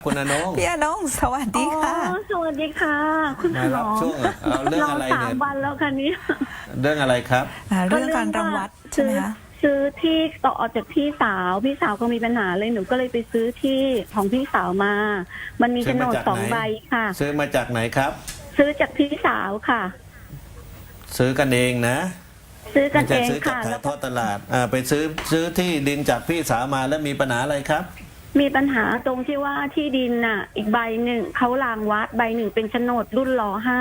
คุณอนงพี่อนงสวัสดีค่ะสวัสดีค่ะ คุณหมมารับอช่วงเอาเรื่องอะไรสาเนี่มยวันแล้วค่ะนี้เรื่องอะไรครับเรื่องการรังวัดใช่ไหมคะซื้อที่ต่อจากพี่สาวก็มีปัญหาเลยหนูก็เลยไปซื้อที่ของพี่สาวมา มันมีซื้โฉอน มาดจากสองไหนใบค่ะซื้อมาจากไหนครับซื้อจากพี่สาวค่ะซื้อกันเองนะซื้อกันไม่เอใช่งซื้อจากค่ะขาแล้ยว ทก็อดตลาดไปซื้อที่ดินจากพี่สาวมาแล้วมีปัญหาอะไรครับมีปัญหาตรงที่ว่าที่ดินน่ะ อีกใบหนึ่งเขารางวัดใบหนึ่งเป็นโฉนดรุ่นร.5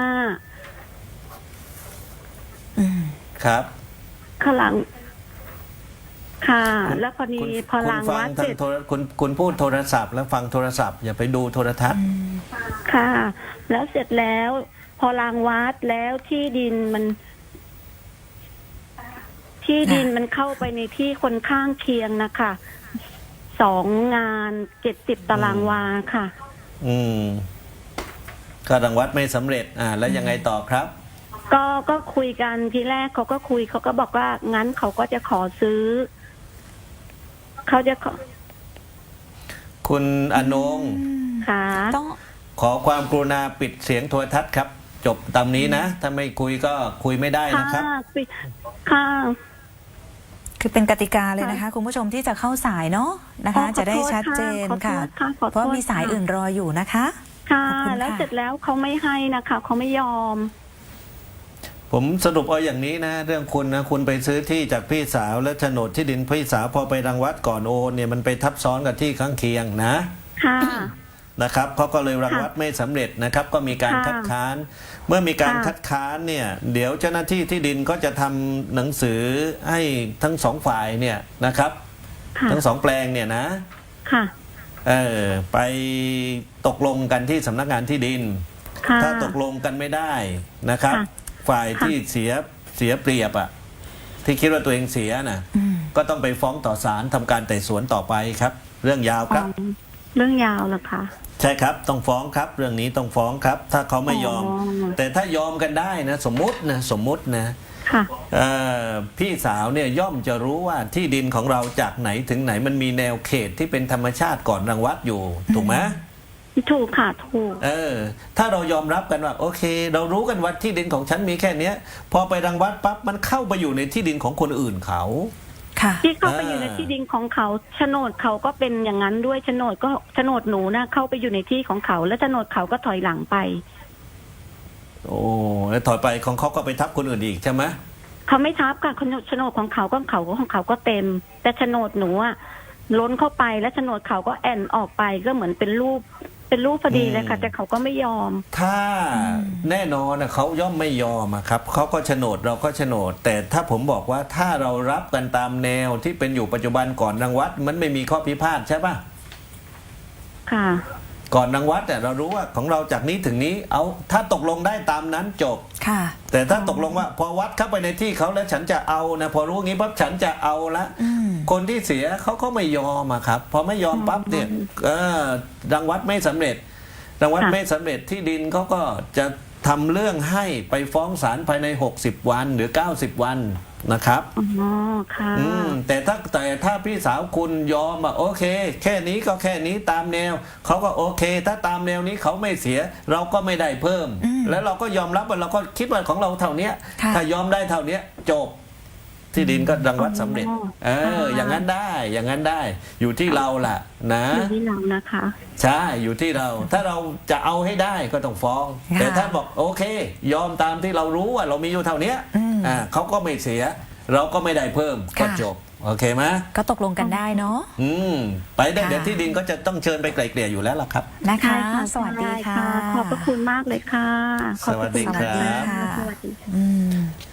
ครับข้างหลัง ค่ะคุณแล้วพอดีคุณพอคุณรางฟัวังดทาเสร็งจโทรคุณพูดโทรศัพท์แล้วฟังโทรศัพท์อย่าไปดูโทรทัศน์ค่ะ แล้วเสร็จแล้ว พอรางวัดแล้วที่ดินมันเข้าไปในที่คนข้างเคียงนะคะ2 งาน70 ตารางวาค่ะก็รังวัดไม่สำเร็จแล้วยังไงต่อครับก็คุยกันทีแรกเขาก็บอกว่างั้นเขาก็จะขอซื้อเขาจะขอคุณอนงค่ะต้องขอความกรุณาปิดเสียงโทรทัศน์ครับ จบตามนี้นะ ถ้าไม่คุยก็คุยไม่ได้นะครับค่ะคือเป็นกติกาเลยนะคะ คุณผู้ชมที่จะเข้าสายเนาะนะคะ จะได้ชัดเจนค่ะ เพราะมีสายอื่นรออยู่นะคะค่ะขอบคุณค่ะแล้วเสร็จแล้วเขาไม่ให้นะคะเขาไม่ยอมผมสรุปเอาอย่างนี้นะ เรื่องคุณนะคุณไปซื้อที่จากพี่สาวและโฉนดที่ดินพี่สาวพอไปรังวัดก่อนโอนเนี่ยมันไปทับซ้อนกับที่ข้างเคียงนะค่ะนะครับเขาก็เลยรังวัดไม่สำเร็จนะครับ ก็มีการค่ะคัดค้าน เมื่อมีการค่ะคัดค้านเนี่ยเดี๋ยวเจ้าหน้าที่ที่ดินก็จะทำหนังสือให้ทั้งสองฝ่ายเนี่ยนะครับค่ะทั้งสองแปลงเนี่ยนะค่ะไปตกลงกันที่สำนักงานที่ดินค่ะถ้าตกลงกันไม่ได้นะครับค่ะฝ่ายค่ะที่เสียเปรียบอ่ะที่คิดว่าตัวเองเสียนะก็ต้องไปฟ้องต่อศาลทำการไต่สวนต่อไปครับ เรื่องยาวครับเรื่องยาวเหรอคะใช่ครับต้องฟ้องครับ เรื่องนี้ต้องฟ้องครับ ถ้าเขาไม่ยอมอ๋อแต่ถ้ายอมกันได้นะสมมุตินะค่ะพี่สาวเนี่ยย่อมจะรู้ว่าที่ดินของเราจากไหนถึงไหนมันมีแนวเขตที่เป็นธรรมชาติก่อนรังวัดอยู่ถูกไหมถูกค่ะถูกถ้าเรายอมรับกันว่าโอเค เรารู้กันว่าที่ดินของฉันมีแค่เนี้ย พอไปรังวัดปั๊บมันเข้าไปอยู่ในที่ดินของคนอื่นเขาค่ะที่เข้าไปอยู่ในที่ดินของเขาโฉนดเขาก็เป็นอย่างนั้นด้วยโฉนดหนูนะเข้าไปอยู่ในที่ของเขา แล้วโฉนดเขาก็ถอยหลังไปโอ้แล้วถอยไปของเขาก็ไปทับคนอื่นอีกใช่ไหมเขาไม่ทับค่ะโฉนดของเขาก็เต็ม แต่โฉนดหนูอะล้นเข้าไปแล้วโฉนดเขาก็แอนออกไปก็เหมือนเป็นรูปพอดีเลยค่ะ แต่เขาก็ไม่ยอมถ้าแน่นอนนะเขาย่อมไม่ยอมอะครับเขาก็โฉนดเราก็โฉนด แต่ถ้าผมบอกว่าถ้าเรารับกันตามแนวที่เป็นอยู่ปัจจุบันก่อนรังวัดมันไม่มีข้อพิพาทใช่ปะค่ะก่อนรังวัดแต่ยเรารู้ว่าของเราจากนี้ถึงนี้เอาถ้าตกลงได้ตามนั้นจบค่ะแต่ถ้าตกลงว่าพอวัดเข้าไปในที่เขาแล้วฉันจะเอานะพอรู้งี้ปั๊บฉันจะเอาละคนที่เสียเขาก็ไม่ยอมอะครับพอไม่ยอมปั๊บเนี่ยรังวัดไม่สำเร็จรังวัดค่ะไม่สำเร็จที่ดินเขาก็จะทำเรื่องให้ไปฟ้องศาลภายใน60 วันหรือ90 วันนะครับอ๋อค่ะแต่ถ้าพี่สาวคุณยอมโอเค แค่นี้ก็แค่นี้ตามแนวเขาก็โอเค ถ้าตามแนวนี้เขาไม่เสีย เราก็ไม่ได้เพิ่ม แล้วเราก็ยอมรับว่าเราก็คิดว่าของเราเท่านี้ค่ะถ้ายอมได้เท่านี้จบที่ดินก็รังวัดสำเร็จ อย่างนั้นได้อย่างนั้นได้ อยู่ที่เราล่ะนะอยู่ที่เรานะคะใช่อยู่ที่เรา ถ้าเราจะเอาให้ได้ก็ต้องฟ้องค่ะแต่ถ้าบอกโอเค ยอมตามที่เรารู้ว่าเรามีอยู่เท่านี้เขาก็ไม่เสีย เราก็ไม่ได้เพิ่มก็จบโอเคไหมก็ตกลงกันได้เนาะไปได้ค่ะเดี๋ยวที่ดินก็จะต้องเชิญไปไกลเกลี่ยอยู่แล้วล่ะครับนะคะใช่ค่ะสวัสดีค่ะขอบพระคุณมากเลยค่ะขอบพระคุณสวัสดีครับสวัสดีค่ะอืม